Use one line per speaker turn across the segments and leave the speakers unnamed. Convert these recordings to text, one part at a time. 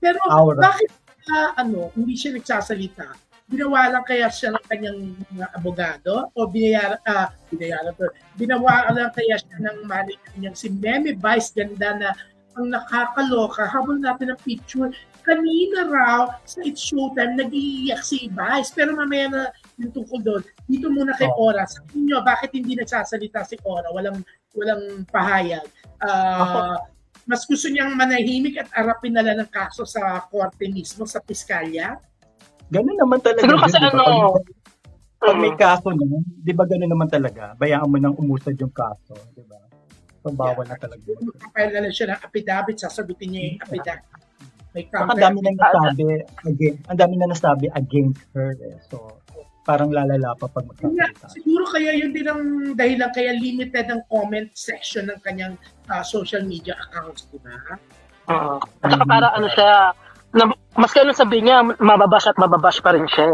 Pero
Aura.
bakit hindi siya nagsasalita? Ginawa lang kaya siya ng kanyang mga abogado o binawalan kaya siya ng manager niyang si Meme Vice Ganda na ang nakakaloka habang natin ang picture kanina raw sa It's Showtime nag-iiyak si Vice pero mamaya na yung tungkol doon dito muna kay Ora sa inyo bakit hindi nagsasalita si Ora walang pahayag mas gusto niyang manahimik at arapin na lang ng kaso sa korte mismo sa piskalya.
Ganun naman talaga.
Siguro kasi
diba?
ano,
pag may kaso naman, di ba ganun naman talaga? Bayaan mo nang umusad yung kaso, di ba? So, bawal na talaga.
Kapag na siya ng affidavit, sasagutin niya yung affidavit. May
ang dami na nasabi against her. So, parang lalala pa pag magsasalita.
Siguro kaya yun din ang dahilan kaya limited ang comment section ng kanyang social media accounts, di ba?
At saka para ano siya, mas kailan sabihin niya, mababash pa rin siya.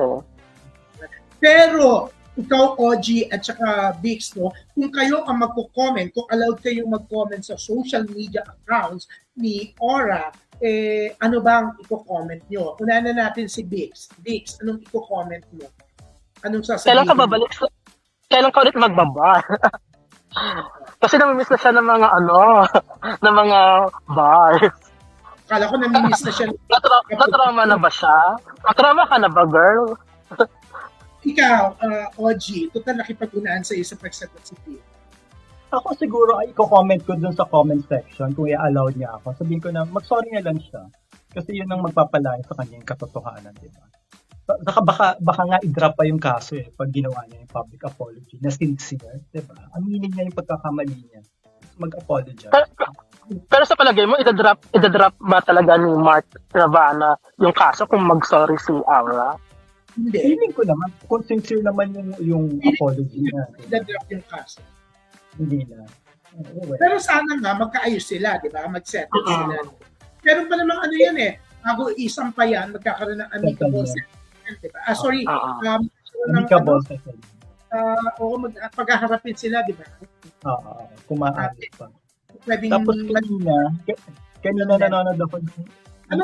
Pero, ikaw, OG, at saka Bix, no, kung kayo ang magko-comment, kung allowed kayong mag-comment sa social media accounts ni Ora, ano bang i-comment nyo? Unahan na natin si Bix. Bix, anong i-comment mo? Anong sasabihin?
Kailan ka babalik? Kailan ka ulit magbabar? Kasi namimiss na siya ng mga ng mga bars.
Kala ko namimiss na siya.
Natrauma na ba siya? Natrauma ka na ba, girl?
Ikaw, OG, total nakipag-unaan sa iyo sa pagsagot si Pia.
Ako siguro ay i-comment ko dun sa comment section kung i-allow niya ako. Sabihin ko na mag-sorry na lang siya. Kasi yun ang magpapalayo sa kanya yung katotohanan, di ba? Baka nga i-drop pa yung kaso pag ginawa niya yung public apology na sincere, di ba? Aminin niya yung pagkakamali niya. Mag-apologize.
Pero sa palagay mo, ida-drop ba talaga ni Mark Ravana yung kaso kung mag-sorry si Aura?
Hindi.
Feeling ko naman, kung sincere naman yung apology niya.
Ida-drop yung kaso.
Hindi na.
Pero sana nga, magkaayos sila, di ba? Mag-settle sila. Pero pa namang bago isang pa yan, magkakaroon ng amicable settlement, di ba?
Amicable settlement.
Oo, paghaharapin sila, di ba?
Kung maaari pa.
Pwedeng
tapos kanina nanonood ako.
Ano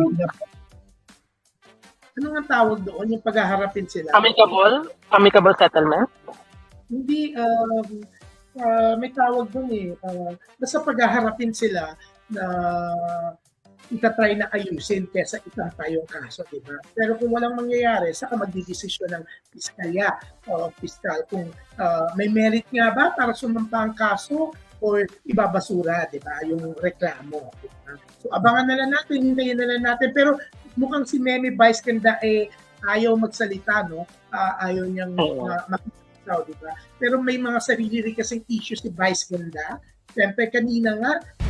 nga tawag doon? Yung paghaharapin sila?
Amicable? Amicable settlement?
Hindi, may tawag doon basta paghaharapin sila na itatry na ayusin kesa itatay yung kaso, di ba? Pero kung walang mangyayari, saka magdidesisyon ng piskalya o piskal kung may merit nga ba para sumampa ang kaso or ibabasura, di ba? Yung reklamo. Diba? So, abangan na lang natin, hintayin na lang natin. Pero mukhang si Meme Vice Ganda ayaw magsalita, no? Ayaw niyang makikita, di ba? Pero may mga sarili rin kasing issues si Vice Ganda. Siyempre, kanina nga,